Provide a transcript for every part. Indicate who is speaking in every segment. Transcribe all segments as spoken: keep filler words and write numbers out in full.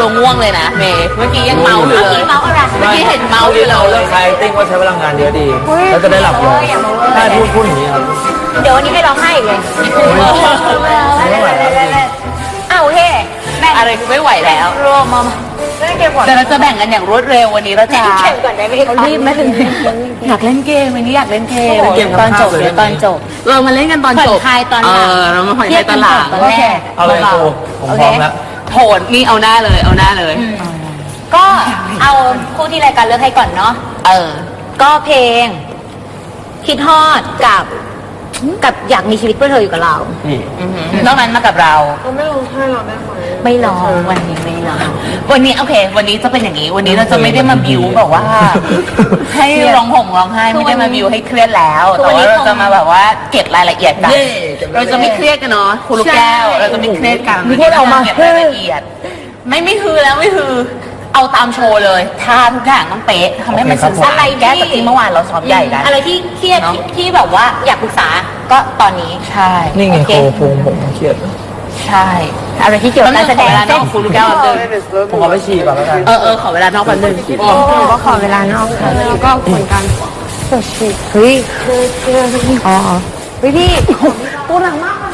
Speaker 1: เราง่วงเลยนะเมย์เมื่อกี้ยังเมาอยู่เลยเมาอะไรเมื่อกี้เห็นเมาอยู่เลย
Speaker 2: เรื่องไคติ้งว่าใช้พลังงานเยอะดีแล้วจะได้หลับเลยถ้าพูดพูดอย่างนี้ครับ
Speaker 3: เดี๋ยววันนี้ให้ร้องไห้อีกเลย
Speaker 2: ไม่ไหวแล้ว
Speaker 3: อ้าวเฮ้แม่
Speaker 1: อะไรคือไม่ไหวแล้ว
Speaker 3: รวมมาเล่นเกมก่อน
Speaker 1: แต่เราจะแบ่งกันอย่างรวดเร็ววันนี้เราจะ
Speaker 3: เล่นก่อนได้ไหมเขารีบไหมถึง
Speaker 1: อยากเล่นเกมวันนี้อยากเล่นเกม
Speaker 3: ตอนจบเดี๋ยวตอนจบ
Speaker 1: เรามาเล่นกันตอนจบ
Speaker 3: ผ่อนคลายตอนหลัง
Speaker 1: เออเรามาผ่อนคลายตอนหลัง
Speaker 3: โอเค
Speaker 2: เอาเลยครูผมพร้อมแล้ว
Speaker 1: โหดนี่เอาหน้าเลยเอาหน้าเลย
Speaker 3: ก็เอาคู่ที่รายการเลือกให้ก่อนเนาะ
Speaker 1: เออ
Speaker 3: ก็เพลงคิดฮอดกับกับอยากมีชีวิตเพื่อเธออยู่กับเรา
Speaker 1: นอกนั้นมากับเรา
Speaker 3: ไม่ร้องให้เราได้ไหมไม่ร้องวันนี้ไม่ร้อง
Speaker 1: วันนี้โอเควันนี้จะเป็นอย่างนี้วันนี้เราจะไม่ได้มาบิวแบบว่าให้ร้องห่มร้องไห้ไม่ได้มาบิวให้เครียดแล้วแต่ว่าเราจะมาแบบว่าเก็บรายละเอียดกันเราจะไม่เครียดกันเนาะคุณลูกแก้วเราจะไม่เครียดกันเราจะเก็บรายละเอียดไม่ไม่คือแล้วไม่คือเอาตามโชว์เลยท่าทุกอย่างต้องเป๊ะทำให้มันสื่อสารอะไรแก้จากที่เมื่อวานเราซ้อมใหญ่กัน
Speaker 3: อะไรที่เครียดที่แบบว่าอยากปรึกษาก็ตอนนี้
Speaker 1: ใช่
Speaker 2: นี่ไงโคพุงผมเครียด
Speaker 1: ใช่
Speaker 3: อะไรที่เกี่ยวกับการแสดง
Speaker 1: นอกคุณลูกแก้วเดิน
Speaker 2: ผมขอไปฉี่ก่อนแล้วกัน
Speaker 1: เออเออขอเวลานอกแป๊บนึง
Speaker 3: ก็ขอเวลานอกค่ะแล้วก็เหมือนกันเฮ้ยอ๋อเฮ้ยพี่พูดหนังมากนะ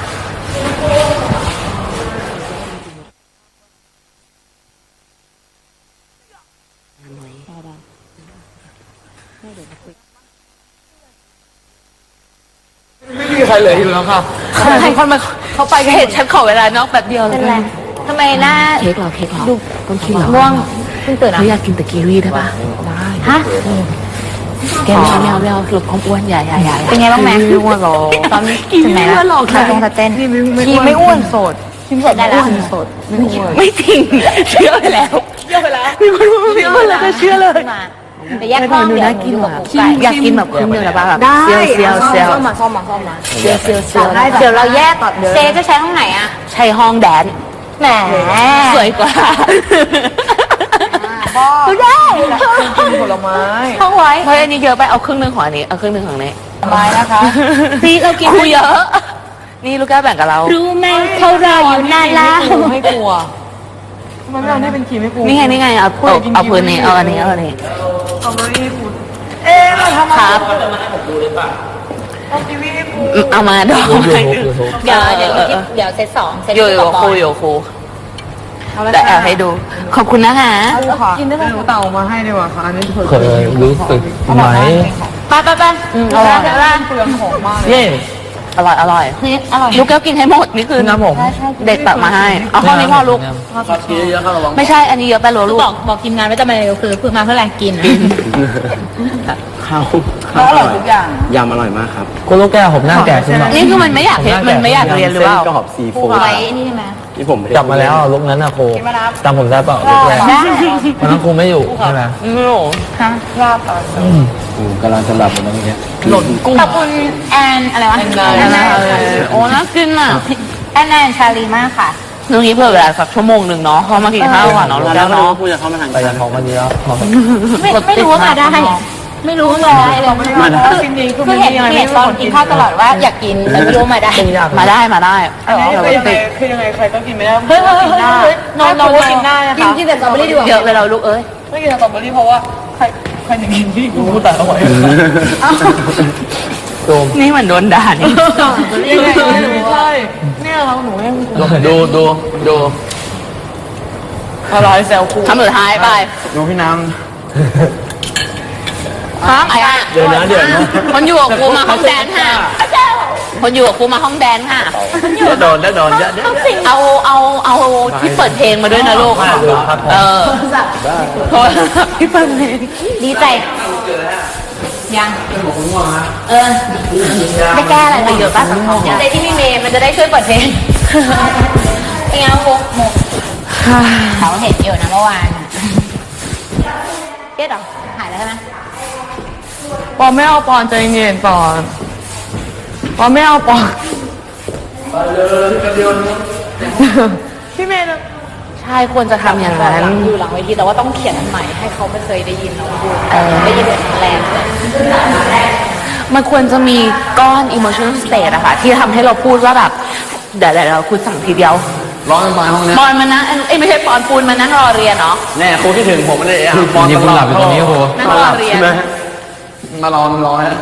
Speaker 2: ไม่มีใครเหลืออยู่แล้วค่ะ
Speaker 1: ใครคนมาเขาไปเห็นฉันขอเวลานอกแบบเดียวเลย
Speaker 3: ทำไมหน้า
Speaker 1: เค้กหรอเค้กหรอ
Speaker 3: ดู
Speaker 1: ต้องกินหรอ
Speaker 3: ม่วงเพิ่งตื่นอ่ะ
Speaker 1: อยากกินแต่กีวีได้ปะได้
Speaker 3: ฮะ
Speaker 1: แกไม่เอาไม่เอาไม่เอาหลบความอ้วนใหญ่ใหญ่ใหญ่
Speaker 3: เป็นไงบ้างแม่
Speaker 1: ไม่อ้วนหรอ
Speaker 3: ตอนนี้ถึงไหนแล้วขาตรงขาเต้น
Speaker 1: กีไม่อ้วนโสด
Speaker 3: กินสดได้แล้ว
Speaker 1: โสดไม่อ้วนไม่จริงเชื่อไปแล้ว
Speaker 3: เชื่อไปแล้ว
Speaker 1: มีคนพูดไม่อ้วนแล้วก็เชื่อเลย
Speaker 3: แต่แยกห้องเดี๋ยวน่ากินว่ะ
Speaker 1: อยากกินแบบครึ่งเดียวนะป่ะแบบ
Speaker 3: เซียว
Speaker 1: เซียวเซียว
Speaker 3: มาซ่อมมาซ่อมมา
Speaker 1: เซียวเซียวเซียว
Speaker 3: เดี๋ยวเราแยกเซจะใช้ห้องไหนอ่ะ
Speaker 1: ใช้ห้องแดน
Speaker 3: แหม
Speaker 1: สวยกว่า
Speaker 3: ดูได้
Speaker 2: กินผลไม้
Speaker 3: ห้องไว้
Speaker 1: เพราะอันนี้เยอะไปเอาครึ่งหนึ่งของอันนี้เอาครึ่งหนึ่งของนี้
Speaker 3: ไม้นะคะ
Speaker 1: พี่เรากินเยอะนี่ลูกแก้วแบ่งกับเรา
Speaker 3: รู้ไหมเขารออยู่นานแล้ว
Speaker 2: ไม่กลัวมันไม่เอาได้เป็นขีไม่กลัว
Speaker 1: นี่ไงนี่ไงเอาเอาพื้นนี้เอาอันนี้เอาอันนี้
Speaker 2: เอาไม่ให้พูดเอ๊ะเราทำ
Speaker 1: ครับเอามาดอก
Speaker 3: เดี๋ยวเดี๋ยวเดี๋ยวเซตสองเซต
Speaker 1: โยโย่ครูโยครูแต่แอบให้ดูขอบคุณนะคะ
Speaker 2: กินได้ไหมหนูเต่ามาให้ดีกว่าค่ะอันนี้เคยรู้สึกไหม
Speaker 3: ไปไปไป
Speaker 1: อร่อย
Speaker 2: เปลืองของมาก
Speaker 1: เย่อร่อยอร่อย
Speaker 3: อร่อย
Speaker 1: ลูกแก้วกินให้หมดนี่คือ
Speaker 2: น้ำผม
Speaker 1: เด็กตักมาให้เอาข้อนี้พอลูกไม่ใช่อันนี้เยอะไปหรอลูก
Speaker 3: บอกบอกทีมงานว่าจะมาเร็วคือคือมาเพื่ออะไรกิน
Speaker 4: ข้าวข้าวอร่อยทุกอย่างยำอร่อยมากครับ
Speaker 2: คุณลูกแก้วผมหน้าแก่ขึ้นมา
Speaker 1: นี่คือมันไม่อยากมันไม่อยากเรียนหรือเปล่า
Speaker 4: ก็หอบซีฟู้ด
Speaker 3: ไว้นี่ใช่ไหม
Speaker 4: ที่ผม
Speaker 2: จับมาแล้วลูกนั้นนะครูจำผมได้เปล่าลูกแรกวันนั้นครูไม่อยู่ใช่ไหม
Speaker 1: ไม่อยู่
Speaker 3: ฮะลาบต่อ
Speaker 4: กำลังจะหลับอยู่ตรงนี้
Speaker 1: หล่นกุ้ง
Speaker 3: ขอบคุณแอนอะไรวะแอนนา
Speaker 1: โอ้น่ากินอ่ะ
Speaker 3: แอนนาชาลีมากค่ะ
Speaker 1: ตรงนี้เผื่อเวลาสักชั่วโมงหนึ่งเนาะเพราะมากินข้าวก่อนเนาะแล้วเนาะ
Speaker 4: พูดจะเข้ามาทาง
Speaker 2: ไปยังท้องมาดีแล้ว
Speaker 3: ไม่ไม่รู้ว่ามาได้ไม่รู้ว่ามาได้เลยคือเห็นเห็นตอนกินข้าวตลอดว่าอยากกินแต่ไม่รู้มาได้
Speaker 1: มาได้มาได้
Speaker 2: คือยังไงคือยังไงใครก็กินไม่ได้
Speaker 3: เฮ้ยเฮ้ยเฮ้ยนอนนอน
Speaker 2: กินได้นะคะ
Speaker 3: กินกินแต่สตรอเบอรี่ดีกว่า
Speaker 1: เยอะไปเราลูกเอ้ย
Speaker 2: ไม่กินสตรอเบอรี่เพราะว่าใครใครหนึ่งกินที่กูแต่เอาไว้
Speaker 1: นี่เหมือนโดนด่านี่
Speaker 2: ยังไงใช่เนี่ยเราหนูยัง
Speaker 4: ดูดูดู
Speaker 2: อะไรแซวครู
Speaker 1: ทำสุดท้ายไป
Speaker 4: ดูพี่น้ำ
Speaker 1: ครับไอ้อะ
Speaker 4: เดี๋ยวนะเดี๋ยวนะ
Speaker 1: คนอยู่กับครูมาห้องแดนค่ะคนอยู่กับครูมาห้องแดนค่ะ
Speaker 4: จะโดนจะโดนจะ
Speaker 1: เอาเอาเอาที่เปิดเพลงมาด้วยนะลูกเออโทษที่เปิดเพลง
Speaker 3: ดีใจยังเออได้แก้อะไรไปเยอะป่ะสังคมใจที่พี่เมย์มันจะได้ช่วยเปิดเพลงเป็นไงโมโมเขาเห็นอยู่นะเมื่อวานเครียดหรอหายแล้วใช่ไหม
Speaker 2: ปอนไม่เอาปอนใจเย็นปอนปอนไม่เอาปอนพี่เมย์
Speaker 1: ใช่ควรจะทำอย่างนั้น
Speaker 3: อยู่หลังเวทีแต่ว่าต้องเขียนใหม่ให้เขาไม่เคยได้ยินเราพูดได้ยินแบบแรงเลย
Speaker 1: มันควรจะมีก้อน emotional state อะค่ะที่ทำให้เราพูดว่าแบบเดี๋ยวเราคุณสั่งทีเดียว
Speaker 4: ร้อนไปห้องนี้
Speaker 1: ปอนมานั่งเอ้ยไม่ใช่ปอนปูนมานั่งรอเรียนเนาะ
Speaker 4: แน่ครูคิดถึงผมไม่ได้อ่ะ
Speaker 5: คือนี่คุณหลับอยู่ตรงนี้ครู
Speaker 1: นั่งรอเรียน
Speaker 4: ใช่ไหมมารอมารอฮะ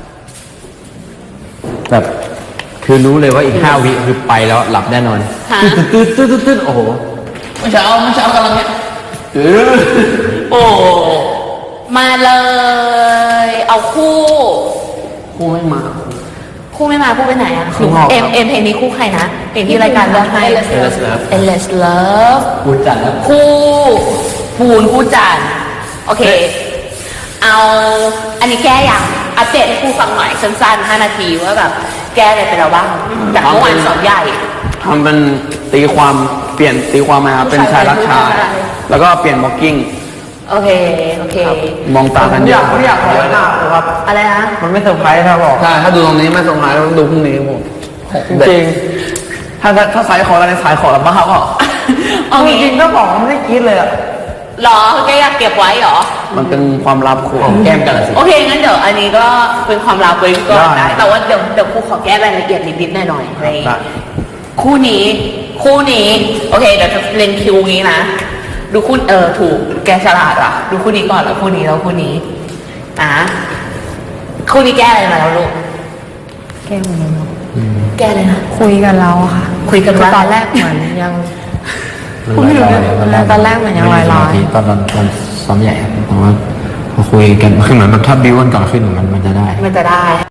Speaker 5: แบบคือรู้เลยว่าอีกห้าวิคือไปแล้วหลับแน่นอน
Speaker 1: ฮะ
Speaker 5: ตืดตืดตืดตืดโอ้โห
Speaker 4: เมื่อเช้าเมื่อเช้ากำลังเนี้ยเออ
Speaker 1: โอ้มาเลย เอาคู่
Speaker 4: ครูไม่มา
Speaker 1: คู่ไม่มาคู่ไปไหนอ่ะ
Speaker 4: ข้างนอก
Speaker 1: เอ็มเอ็มเพลงนี้คู่ใครนะเพลงที่รายการเลือกให้
Speaker 4: Endless Love
Speaker 1: Endless Love
Speaker 5: กูจัดแล้ว
Speaker 1: คู่ปูนคู่จันทร์โอเค เอาอันนี้แก้อย่างอัปเดตให้ครูฟังหน่อยสั้นๆห้านาทีว่าแบบแก้อะไรไปแล้วบ้างจากเมื่อวานสอนใหญ่
Speaker 4: ทำเป็นตีความเปลี่ยนตีความมาเป็นชายรักชาย แล้วก็เปลี่ยนบ็อกกิ้ง
Speaker 1: โอเค โอเค
Speaker 4: มองตากันเยอะ
Speaker 2: ไม่อยากขอหน้าครับ
Speaker 1: อะไรนะ
Speaker 2: มันไม่เซอร์ไพรส์ถ้าบอก
Speaker 4: ใช่ถ้าดูตรงนี้ไม่สงสัยต้องดูพรุ่งนี้ผม
Speaker 2: จริง
Speaker 4: ถ้าถ้าสายขอแล้วในสายขอแล้วบ้าก็
Speaker 1: เอา
Speaker 2: จ
Speaker 1: งี้
Speaker 2: ริงๆก็บอกมันไม่ได้คิดเลยอะ
Speaker 1: หรอแกอยากเก็บไว้เหรอ
Speaker 4: มันเป็นความลับครูแก้มกันสิ
Speaker 1: โอเคงั้นเดี๋ยวอันนี้ก็เป็นความลับไว้ก่อน
Speaker 4: ได้
Speaker 1: ได้แต่ว่าเดี๋ยวเดี๋ยวครูขอแก้รายละเอียดนิดๆหน่อยๆใน
Speaker 4: ได้
Speaker 1: คู่นี้ คู่นี้ โอเคเดี๋ยวจะเล่นคิวนี้นะ ดูคู่เออถูกแกฉลาดอ่ะ ดูคู่นี้ก่อนแล้วคู่นี้แล้วคู่นี้อ่ะคู่นี้แก้อะไรมาแล้วลูก
Speaker 2: แก้มันเนาะ
Speaker 1: แก้เลยนะ
Speaker 2: คุยกันแล้วอะค่ะ
Speaker 1: คุยกันว่า
Speaker 2: ตอนแรกเหมือนยัง
Speaker 5: มันลอยๆ
Speaker 2: ตอนแรกเหมือนยังลอยๆ
Speaker 5: ไสมาธิตอนตอนตอนซ้อมใหญ่ครับแต่ว่าพอคุยกันคือเหมือนแบบถ้าบิวกันก่อนขึ้นมันมันจะได้
Speaker 1: มันจะได้